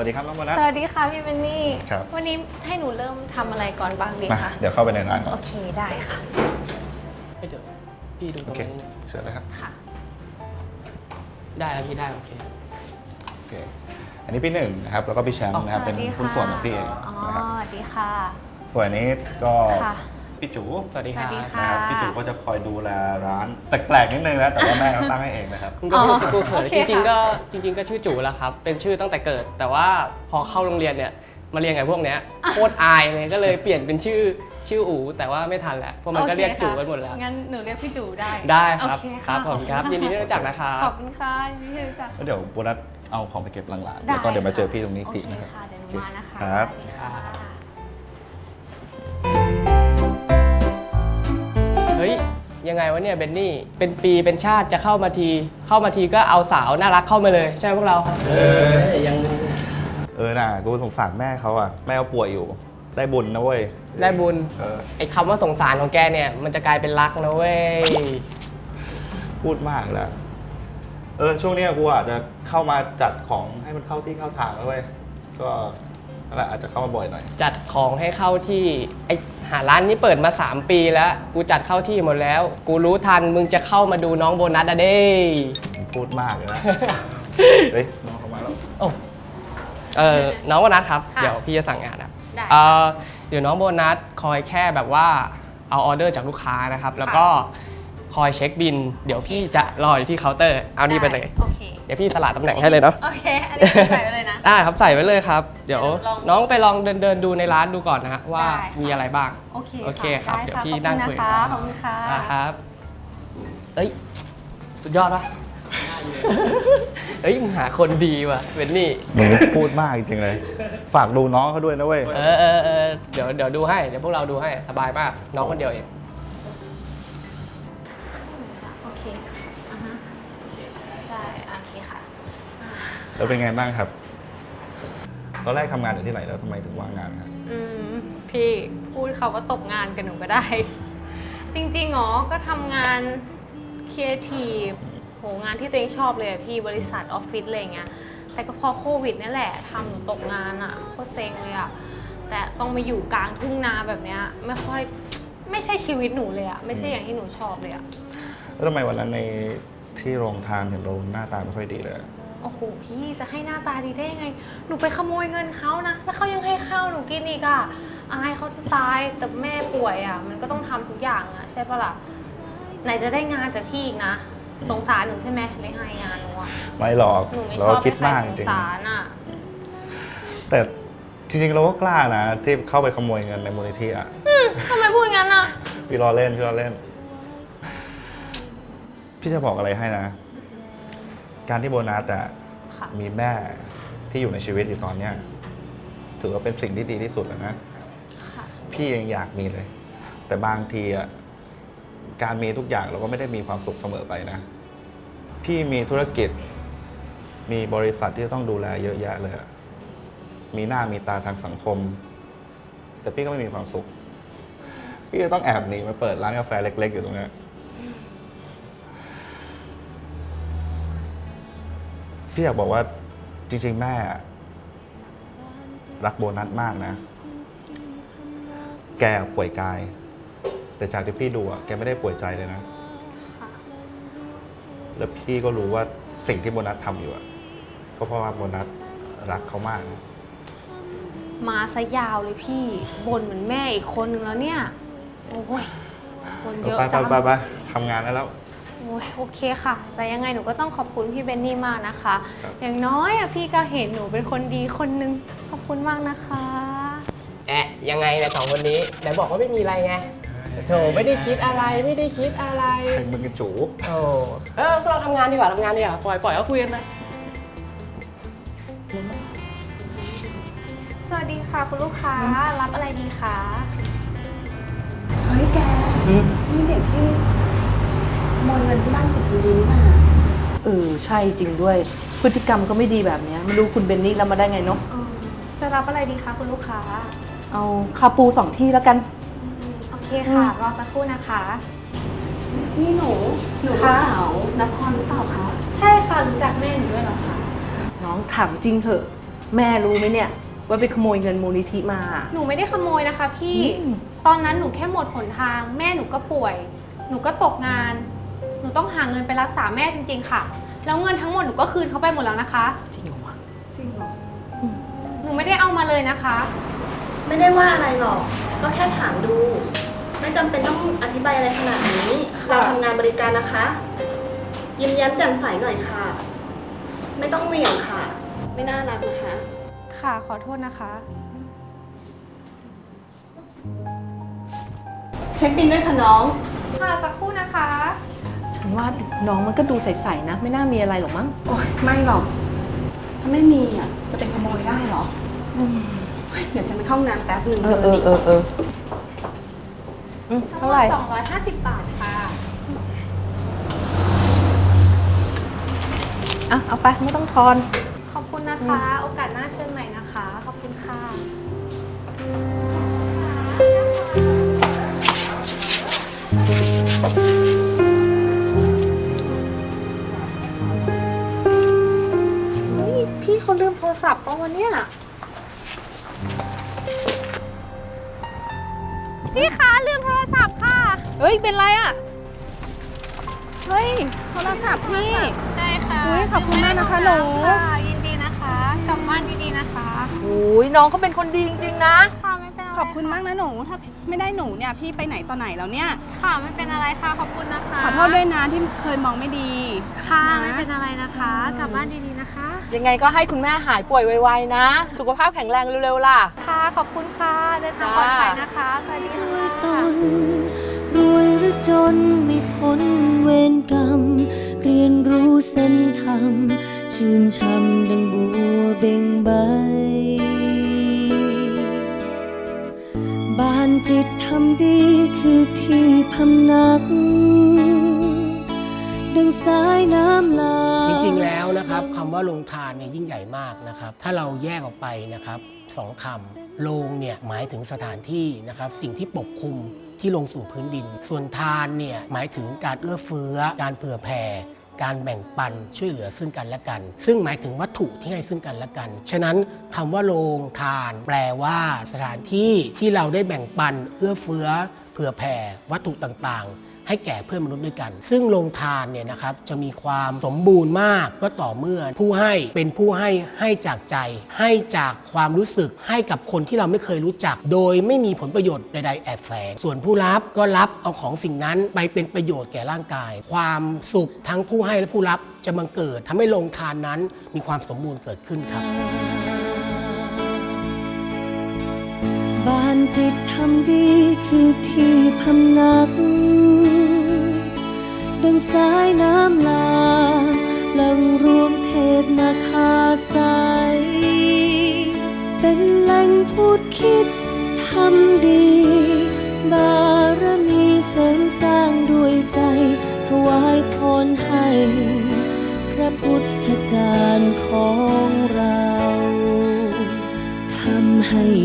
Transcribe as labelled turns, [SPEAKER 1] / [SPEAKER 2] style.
[SPEAKER 1] วัสดีครับน้องโบนัส
[SPEAKER 2] สวัสดีค่ะพี่เบนนี่
[SPEAKER 1] ครับ
[SPEAKER 2] วันนี้ให้หนูเริ่มทำอะไรก่อนบ้างดี
[SPEAKER 1] มา
[SPEAKER 2] คะ
[SPEAKER 1] เดี๋ยวเข้าไปในร้านก่อน
[SPEAKER 2] โอเคได้ค่ะ
[SPEAKER 3] เดี๋ยวพี่ดูต
[SPEAKER 1] โอ
[SPEAKER 3] รง
[SPEAKER 1] เค
[SPEAKER 3] นี้น
[SPEAKER 1] เชิญเลยครับ
[SPEAKER 2] ค่ะ
[SPEAKER 3] ได้แล้วพี่ได้โอเค
[SPEAKER 1] โอเคอันนี้พี่หนึ่งนะครับแล้วก็พี่แชมป์นะครับเป็นหุ้นส่วนของพี่เอง
[SPEAKER 2] อ๋อ
[SPEAKER 1] นะครับ
[SPEAKER 2] สวัสดีค่ะ
[SPEAKER 1] ส่วนอันนี้ก็
[SPEAKER 2] ค่ะ
[SPEAKER 1] พี่จู
[SPEAKER 3] สวัสดีครับ
[SPEAKER 2] สวัสดีค่ะ
[SPEAKER 1] นะครับพี่จูก็จะคอยดูแลร้านแปลกๆนิดนึงนะแต่ว่าแม่เขาตั้งให้เองนะครับ
[SPEAKER 3] คุณก็พูดสิกูเขิน
[SPEAKER 2] โอเค
[SPEAKER 3] จริงๆ
[SPEAKER 2] ค่ะ
[SPEAKER 3] จริง ๆ ก็ชื่อจู่แล้วครับ เป็นชื่อตั้งแต่เกิด แต่ว่าพอเข้าโรงเรียนเนี่ยมาเรียนกับพวกเนี้ยโคตรอายเลยก็เลยเปลี่ยนเป็นชื่ออู๋แต่ว่าไม่ทันแล้วเพราะมันก็เรียกจู่กันหมดแล้ว
[SPEAKER 2] งั้นหนูเรียกพี่จูได้
[SPEAKER 3] ได้ครับ
[SPEAKER 2] โอเค
[SPEAKER 3] ครับผมครับยินดีที่รู้จักนะครับ
[SPEAKER 2] ขอบคุณค่ะยินดีที่รู้จัก
[SPEAKER 1] แล้วเดี๋ยวโบนัสเอาของไปเก็บหลังร้าน
[SPEAKER 2] ได้
[SPEAKER 1] แล้วก็เดี๋ยวมาเจอ
[SPEAKER 2] ค่ะ
[SPEAKER 1] พี่ตรงนี้อีกที
[SPEAKER 2] โอเค
[SPEAKER 1] นะครับ
[SPEAKER 2] ค่ะเดี๋ยวหนูมานะคะ
[SPEAKER 1] ครับ
[SPEAKER 2] สวัสดีค่ะ
[SPEAKER 3] เฮ้ยยังไงวะเนี่ยเบนนี่เป็นปีเป็นชาติจะเข้ามาทีก็เอาสาวน่ารักเข้ามาเลยใช่ไหมพวกเรายัง
[SPEAKER 1] น่ะกูสงสารแม่เขาอ่ะแม่เขาป่วยอยู่ได้บุญนะเว้ย
[SPEAKER 3] ได้บุญ
[SPEAKER 1] เ
[SPEAKER 3] ไอ้คำว่าสงสารของแกเนี่ยมันจะกลายเป็นรักนะเว้ย
[SPEAKER 1] พูดมากแล้วช่วงเนี้ยกูอาจจะเข้ามาจัดของให้มันเข้าที่เข้าทางแล้วเว้ยก็นั่นแหละอาจจะเข้ามาบ่อยหน่อย
[SPEAKER 3] จัดของให้เข้าที่ไอหาร้านนี้เปิดมา 3 ปีแล้ว กูจัดเข้าที่หมดแล้ว กูรู้ทันมึงจะเข้ามาดูน้องโบนัสอะเด้
[SPEAKER 1] พูดมากเลยนะ เฮ้ยน้องเขามาแล้ว
[SPEAKER 3] โอ้น้องโบนัสครับ
[SPEAKER 2] ค่ะ
[SPEAKER 3] เดี๋ยวพี่จะสั่งงานครับ
[SPEAKER 2] ได้
[SPEAKER 3] เดี๋ยวน้องโบนัสคอยแค่แบบว่าเอาออเดอร์จากลูกค้านะครับ แล้วก็คอยเช็คบิน เดี๋ยวพี่จะรออยู่ที่เคาน์เตอร์เอานี่ไปเลย
[SPEAKER 2] โอเค
[SPEAKER 3] เดี๋ยวพี่สละตำแหน่งให้เลยเนาะ
[SPEAKER 2] โอเค อันนี้คือใส่ไปเลยนะ
[SPEAKER 3] ได้ครับใส่ไว้เลยครับ เดี๋ยว
[SPEAKER 2] ลอง
[SPEAKER 3] น้องไปลองเดินดูในร้านดูก่อนนะฮะว่า
[SPEAKER 2] ได้ค่ะ
[SPEAKER 3] มีอะไรบ้าง
[SPEAKER 2] โอเค
[SPEAKER 3] โอเคครับ
[SPEAKER 2] ได้
[SPEAKER 3] เดี๋ยว
[SPEAKER 2] ค่ะ
[SPEAKER 3] พี่นั่งคุย
[SPEAKER 2] ข
[SPEAKER 3] กั
[SPEAKER 2] อบคุณนะคะ
[SPEAKER 3] ครับเอ้ยสุดยอดปะ เฮ้ยมึงหาคนดีว่ะเวนนี่
[SPEAKER 1] มึงพูดมากจริงๆเลย ฝากดูน้องเขาด้วยนะเว้ย
[SPEAKER 3] เดี๋ยวดูให้เดี๋ยวพวกเราดูให้สบายมากน้องคนเดียวเอง
[SPEAKER 2] โอเคอ่าฮะใช่โอเคค่ะ
[SPEAKER 1] แล้วเป็นไงบ้างครับ ตอนแรกทำงานอยู่ที่ไหนแล้วทำไมถึงว่างงานครับ
[SPEAKER 2] พี่พูดเขาว่าตกงานกับหนูก็ได้ จริงๆหรอก็ทำงานครีเอทีฟโหงานที่ตัวเองชอบเลยอะพี่บริษัทออฟฟิศอะไรอย่างเงี้ยแต่ก็พอโควิดนี่แหละทำหนูตกงานอะโคตรเซ็งเลยอะแต่ต้องมาอยู่กลางทุ่งนาแบบเนี้ยไม่ใช่ชีวิตหนูเลยอะไม่ใช่อย่างที่หนูชอบเลยอะ
[SPEAKER 1] แล้วทำไมวันนั้นในที่โรงทานเห็นเราหน้าตาไม่ค่อยดีเลย
[SPEAKER 2] โอ้โหพี่จะให้หน้าตาดีได้ยังไง หนูไปขโมยเงินเขานะแล้วเขายังให้ข้าวหนูกินอีกอะอายเขาจะตายแต่แม่ป่วยอะมันก็ต้องทำทุกอย่างอะใช่ปะล่ะไหนจะได้งานจากพี่อีกนะสงสารหนูใช่ไหมเลยให้งานหนูอะ
[SPEAKER 1] ไม่หรอก
[SPEAKER 2] หนูไม่ช
[SPEAKER 1] เรา
[SPEAKER 2] อบ
[SPEAKER 1] คิด
[SPEAKER 2] ให้ใคร
[SPEAKER 1] มาก
[SPEAKER 2] ส
[SPEAKER 1] จ
[SPEAKER 2] ง
[SPEAKER 1] ริง
[SPEAKER 2] สารอะ
[SPEAKER 1] ๆแต่จริงๆเราก็กล้านะที่เข้าไปขโมยเงินในมูลนิธิอ่ะ
[SPEAKER 2] ทำไมพูดงั้นอะ
[SPEAKER 1] พี่ล้อเล่นพี่ล้อเล่น พี่จะบอกอะไรให้นะ การที่โบนัสอะ
[SPEAKER 2] ค่ะ
[SPEAKER 1] มีแม่ที่อยู่ในชีวิตอยู่ตอนเนี้ยถือว่าเป็นสิ่งที่ดีที่สุดแล้วนะ
[SPEAKER 2] ค่ะ
[SPEAKER 1] พี่ยังอยากมีเลย แต่บางทีอะการมีทุกอย่างเราก็ไม่ได้มีความสุขเสมอไปนะ พี่มีธุรกิจ มีบริษัทที่ต้องดูแลเยอะแยะเลยอะมีหน้ามีตาทางสังคม แต่พี่ก็ไม่มีความสุข พี่ก็ต้องแอบหนีมาเปิดร้านกาแฟเล็ก ๆ อยู่ตรงเนี้ยพี่อยากบอกว่าจริง ๆ แม่รักโบนัสมากนะ แกป่วยกาย แต่จากที่พี่ดูอะแกไม่ได้ป่วยใจเลยนะ
[SPEAKER 2] ค่ะ
[SPEAKER 1] แล้วพี่ก็รู้ว่าสิ่งที่โบนัสทำอยู่อะก็เพราะว่าโบนัสรักเขามากนะ
[SPEAKER 2] มาซะยาวเลยพี่บ่นเหมือนแม่อีกคนนึงแล้วเนี่ยโอ้ยบ่นเยอะ
[SPEAKER 1] ไป
[SPEAKER 2] จัง
[SPEAKER 1] ไปทำงานได้แล้ว
[SPEAKER 2] โอ้ยโอเคค่ะ แต่ยังไงหนูก็ต้องขอบคุณพี่เบนนี่มากนะคะ
[SPEAKER 1] ครับ
[SPEAKER 2] อย่างน้อยอะพี่ก็เห็นหนูเป็นคนดีคนนึง ขอบคุณมากนะคะ
[SPEAKER 3] ยังไงเนี่ยสองคนนี้ไหนบอกว่าไม่มีอะไรไงโถไม่ได้คิดอะไรไม่ได้คิดอะไร
[SPEAKER 1] ใครมึงกระจู
[SPEAKER 3] โอ้พวกเราทำงานดีกว่าปล่อยเขาคุยกันไป
[SPEAKER 2] สวัสดีค่ะคุณลูกค้ารับอะไรดีคะ
[SPEAKER 4] เฮ้ยแก นี่เด็กที่ขโมยเงินที่บ้านจิตวิดีนี่ป่ะ
[SPEAKER 5] ใช่จริงด้วย พฤติกรรมก็ไม่ดีแบบเนี้ยไม่รู้คุณเบนนี่รับมาได้ไงเนาะ
[SPEAKER 2] จะรับอะไรดีคะคุณลูกค้า
[SPEAKER 5] เอาคาปู2 ที่แล้วกัน
[SPEAKER 2] โอเคค่ะ รอสักครู่นะคะ
[SPEAKER 4] นี่หนูลูก
[SPEAKER 2] คะ
[SPEAKER 4] สาวนครหรือเปล่าคะ
[SPEAKER 2] ใช่ค่ะรู้จักแม่หนูด้วยเหรอคะ
[SPEAKER 5] น้องถามจริงเถอะแม่รู้ไหมเนี่ยว่าไปขโมยเงินมูลนิธิมา
[SPEAKER 2] หนูไม่ได้ขโมยนะคะพี่
[SPEAKER 5] อืม
[SPEAKER 2] ตอนนั้นหนูแค่หมดหนทาง แม่หนูก็ป่วย หนูก็ตกงาน หนูต้องหาเงินไปรักษาแม่จริงๆค่ะ แล้วเงินทั้งหมดหนูก็คืนเขาไปหมดแล้วนะคะ
[SPEAKER 5] จริงเหรอวะ
[SPEAKER 4] จริงเหรอ
[SPEAKER 2] หนูไม่ได้เอามาเลยนะคะ
[SPEAKER 6] ไม่ได้ว่าอะไรหรอก ก็แค่ถามดู ไม่จำเป็นต้องอธิบายอะไรขนาดนี้ เราทำงานบริการนะคะ ยิ้มแย้มแจ่มใสหน่อยค่ะ ไม่ต้องเหวี่ยงค่ะ ไม่น่ารักนะคะ
[SPEAKER 2] ค่ะ ขอโทษนะคะ
[SPEAKER 6] เช็คบินด้วยค่ะน้อง
[SPEAKER 2] ค่ะสักครู่นะคะ
[SPEAKER 5] ฉันว่าน้องมันก็ดูใสๆนะ ไม่น่ามีอะไรหรอกมั้ง
[SPEAKER 4] โอ๊ยไม่หรอก ถ้าไม่มีอ่ะ จะเป็นขโมยได้เหรอเดี๋ยวฉันไปเข้าห้องน้ำแป๊บนึง
[SPEAKER 5] เท่าไหร่
[SPEAKER 2] ทั้งหมด250 บาทค่ะ
[SPEAKER 5] อ่ะ เอาไปไม่ต้องทอน
[SPEAKER 2] ขอบคุณนะคะ โอกาสหน้าเชิญใหม่นะคะ ขอบคุณค่ะ เฮ้ย พี่เขาลืมโทรศัพท์ป่ะวันเนี้ยพี่คะลืมโทรศัพท์ค่ะ
[SPEAKER 5] เฮ้ย เป็นไรอ่ะ
[SPEAKER 4] เฮ้ย โทรศัพท์พี่
[SPEAKER 2] ใช่ค่ะ
[SPEAKER 4] อุ๊ยขอบคุณมากนะคะหนู
[SPEAKER 2] ค่ะยินดีนะคะ กลับบ้านดีๆนะคะ
[SPEAKER 5] โอ้ยน้องเขาเป็นคนดีจริงๆนะ
[SPEAKER 2] ค่ะไม่เป็นอะไร
[SPEAKER 4] ขอบคุณมากนะหนู ถ้าไม่ได้หนูเนี่ยพี่ไปไหนต่อไหนแล้วเนี่ย
[SPEAKER 2] ค่ะไม่เป็นอะไรค่ะ ขอบคุณนะคะ
[SPEAKER 4] ขอโทษด้วยนะที่เคยมองไม่ดี
[SPEAKER 2] ค่ะ
[SPEAKER 4] นะ
[SPEAKER 2] ไม่เป็นอะไรนะคะ กลับบ้านดีๆนะคะ
[SPEAKER 5] ยังไงก็ให้คุณแม่หายป่วยไวๆนะ สุขภาพแข็งแรงเร็วๆล่ะ
[SPEAKER 2] ค่ะ ขอบคุณค่ะ เดินทางปลอดภัยนะคะ สวัสดีค่ะ
[SPEAKER 7] รวยหรือจนไม่พ้นเวรกรรม เรียนรู้เส้นธรรม ชื่นช่ำดังบัวเบ่งใบ บานจิตทำดีคือที่พำนัก ดังสายน้ำหลาก
[SPEAKER 8] จริงๆ แล้วนะครับคำว่าโรงทานเนี่ยยิ่งใหญ่มากนะครับ ถ้าเราแยกออกไปนะครับสองคำโรงเนี่ยหมายถึงสถานที่นะครับสิ่งที่ปกคลุมที่ลงสู่พื้นดิน ส่วนทานเนี่ยหมายถึงการเอื้อเฟื้อการเผื่อแผ่การแบ่งปันช่วยเหลือซึ่งกันและกัน ซึ่งหมายถึงวัตถุที่ให้ซึ่งกันและกัน ฉะนั้นคำว่าโรงทานแปลว่าสถานที่ที่เราได้แบ่งปันเอื้อเฟื้อเผื่อแผ่วัตถุต่างๆ ให้แก่เพื่อนมนุษย์ด้วยกัน ซึ่งโรงทานเนี่ยนะครับจะมีความสมบูรณ์มากก็ต่อเมื่อผู้ให้เป็นผู้ให้จากใจ ให้จากความรู้สึกให้กับคนที่เราไม่เคยรู้จัก โดยไม่มีผลประโยชน์ใดๆแอบแฝงส่วนผู้รับก็รับเอาของสิ่งนั้นไปเป็นประโยชน์แก่ร่างกาย ความสุขทั้งผู้ให้และผู้รับจะบังเกิดทำให้โรงทานนั้นมีความสมบูรณ์เกิดขึ้นครับ
[SPEAKER 7] บานจิตทำดีคือที่พำนัก ดังสายน้ำหลากหลั่งรวมเทพนาคาใส เป็นแหล่งพูดคิดทำดี บารมีเสริมสร้างด้วยใจ ถวายพรให้พระพุทธจารย์ของเราทำให้